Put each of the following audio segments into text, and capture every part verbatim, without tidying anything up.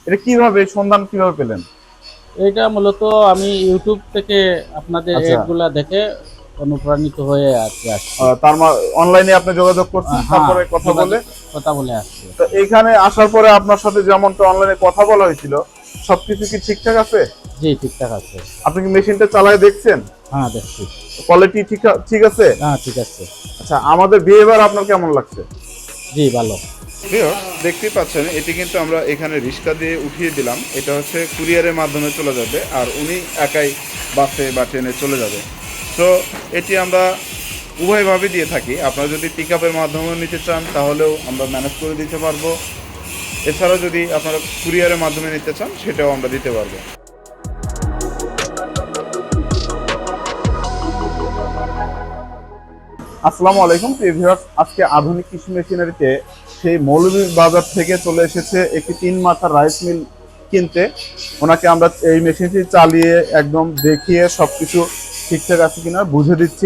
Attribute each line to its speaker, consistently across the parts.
Speaker 1: এটা কিভাবে সন্ধান কিভাবে পেলেন?
Speaker 2: এটা মূলত আমি ইউটিউব থেকে আপনাদের
Speaker 1: আচ্ছা।
Speaker 2: এডগুলা দেখে অনুপ্রাণিত হয়ে আরকি আসছি।
Speaker 1: আহ, তার মা- অনলাইনে আপনি যোগাযোগ
Speaker 2: আ
Speaker 1: করছেন,
Speaker 2: হ্যাঁ,
Speaker 1: তারপরে কথা বলে।
Speaker 2: যোগাযোগ কথা বলে আসছি।
Speaker 1: তো এইখানে আসার পরে আপনার সাথে যেমনটা অনলাইনে কথা বলা হয়েছিল, সবকিছু কি ঠিকঠাক আছে?
Speaker 2: জি, ঠিকঠাক আছে।
Speaker 1: আপনি কি মেশিনটা চালায় দেখছেন?
Speaker 2: হ্যাঁ, দেখছি।
Speaker 1: কোয়ালিটি ঠিক ঠিক আছে?
Speaker 2: হ্যাঁ, ঠিক আছে।
Speaker 1: আচ্ছা, আমাদের বিহেভিয়ার আপনার কেমন লাগছে?
Speaker 2: জি, ভালো।
Speaker 3: ভিউয়ার্স দেখতেই পাচ্ছেন এটি কিন্তু আমরা এখানে রিক্সা দিয়ে উঠিয়ে দিলাম। এটা হচ্ছে কুরিয়ারের মাধ্যমে চলে যাবে আর উনি একাই বাসে বা ট্রেনে চলে যাবে। সো এটি আমরা উভয়ভাবে দিয়ে থাকি। আপনারা যদি পিক আপের মাধ্যমেও নিতে চান তাহলেও আমরা ম্যানেজ করে দিতে পারবো। এছাড়াও যদি আপনারা কুরিয়ারের মাধ্যমে নিতে চান সেটাও আমরা দিতে পারবো।
Speaker 1: আসসালামু আলাইকুম প্রিয় ভিউয়ার্স, আজকে আধুনিক কৃষি মেশিনারিতে সেই মৌলভীবাজার থেকে চলে এসেছে একটি তিন মাথার রাইস মিল কিনতে। ওনাকে আমরা এই মেশিনটি চালিয়ে একদম দেখিয়ে সবকিছু ঠিকঠাক আছে কিনা বুঝে দিচ্ছি।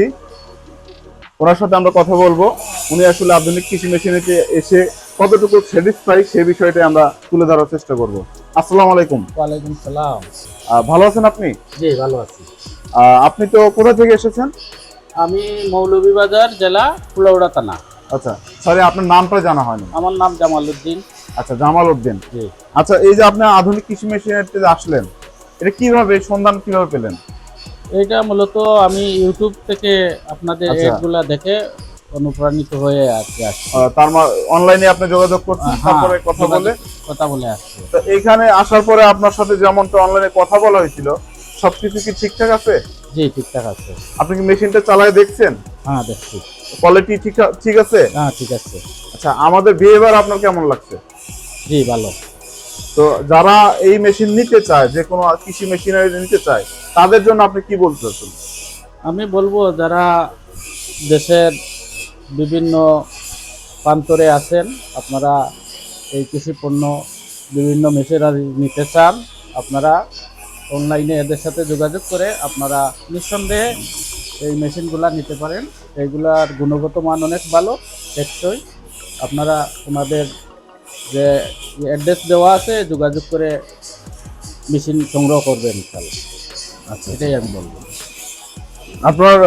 Speaker 1: ওনার সাথে আমরা কথা বলবো, উনি আসলে আধুনিক কৃষি মেশিনারিতে এসে কতটুকু স্যাটিসফাই সে বিষয়টা আমরা তুলে ধরার চেষ্টা করব। আসসালামু আলাইকুম।
Speaker 2: ওয়ালাইকুম সালাম।
Speaker 1: আহ, ভালো আছেন আপনি?
Speaker 2: জি, ভালো আছি।
Speaker 1: আহ, আপনি তো কোথা থেকে এসেছেন?
Speaker 2: আমি মৌলভীবাজার জেলা কুলাউড়া থানা।
Speaker 1: আচ্ছা, সরি আপনার নামটা জানা হয়নি।
Speaker 2: আমার নাম জামাল উদ্দিন।
Speaker 1: আচ্ছা, জামাল উদ্দিন।
Speaker 2: জি।
Speaker 1: আচ্ছা, এই যে আপনি আধুনিক কৃষি মেশিনারিতে আসলেন, এটা কিভাবে সন্ধান কিভাবে পেলেন?
Speaker 2: এটা মূলত আমি ইউটিউব থেকে আপনাদের
Speaker 1: আচ্ছা।
Speaker 2: এডগুলা দেখে অনুপ্রাণিত হয়ে আরকি আসছি।
Speaker 1: আহ, তার অনলাইনে আপনি যোগাযোগ করছেন,
Speaker 2: হ্যাঁ,
Speaker 1: তারপরে কথা বলে।
Speaker 2: যোগাযোগ কথা বলে আসছি।
Speaker 1: তো এইখানে আসার পরে আপনার সাথে যেমনটা অনলাইনে কথা বলা হয়েছিল, সবকিছু কি ঠিকঠাক আছে?
Speaker 2: জি, ঠিকঠাক আছে।
Speaker 1: আপনি কি মেশিনটা চালায় দেখছেন?
Speaker 2: হ্যাঁ, দেখছি।
Speaker 1: কোয়ালিটি ঠিক ঠিক আছে?
Speaker 2: হ্যাঁ, ঠিক আছে।
Speaker 1: আচ্ছা, আমাদের বিহেভিয়ার আপনার কেমন লাগছে?
Speaker 2: জি, ভালো।
Speaker 1: তো যারা এই মেশিন নিতে চায়, যে কোনো কৃষি মেশিনারি নিতে চায়, তাদের জন্য আপনি কি বলতে চাচ্ছেন?
Speaker 2: আমি বলবো যারা দেশের বিভিন্ন প্রান্তরে আছেন, আপনারা এই কৃষি পণ্য বিভিন্ন মেশিনারি নিতে চান, আপনারা অনলাইনে এদের সাথে যোগাযোগ করে আপনারা নিঃসন্দেহে এই মেশিনগুলা নিতে পারেন। এইগুলার গুণগত মান অনেক ভালো, টেকসই। আপনারা ওনাদের যে অ্যাড্রেস দেওয়া আছে যোগাযোগ করে মেশিন সংগ্রহ করবেন ইনশাআল্লাহ।
Speaker 1: আচ্ছা,
Speaker 2: এটাই আমি বলবো।
Speaker 1: আপনার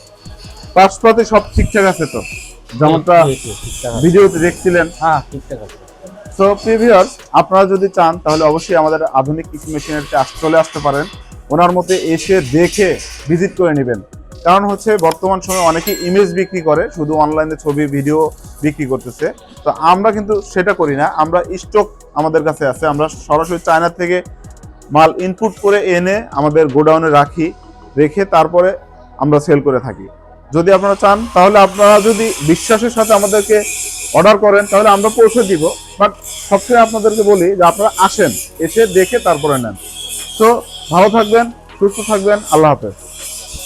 Speaker 1: পাশপাতি সব ঠিকঠাক আছে তো, যেমনটা
Speaker 2: জি, জি, ঠিকঠাক আছে।
Speaker 1: ভিডিওতে দেখছিলেন?
Speaker 2: হ্যাঁ, ঠিকঠাক আছে।
Speaker 1: সো প্রিভিয়ার্স, আপনারা যদি চান তাহলে অবশ্যই আমাদের আধুনিক কৃষি মেশিনারিতে চলে আসতে পারেন। ওনার মতে এসে দেখে ভিজিট করে নেবেন। কারণ হচ্ছে বর্তমান সময়ে অনেকে ইমেজ বিক্রি করে, শুধু অনলাইনে ছবি ভিডিও বিক্রি করতেছে। তো আমরা কিন্তু সেটা করি না, আমরা স্টক আমাদের কাছে আছে, আমরা সরাসরি চায়না থেকে মাল ইনপুট করে এনে আমাদের গোডাউনে রাখি, রেখে তারপরে আমরা সেল করে থাকি। যদি আপনারা চান তাহলে আপনারা যদি বিশ্বাসের সাথে আমাদেরকে অর্ডার করেন তাহলে আমরা পৌঁছে দিব। বাট সবসময় আপনাদেরকে বলি যে আপনারা আসেন, এসে দেখে তারপরে নেন। তো ভালো থাকবেন, সুস্থ থাকবেন, আল্লাহ হাফেজ।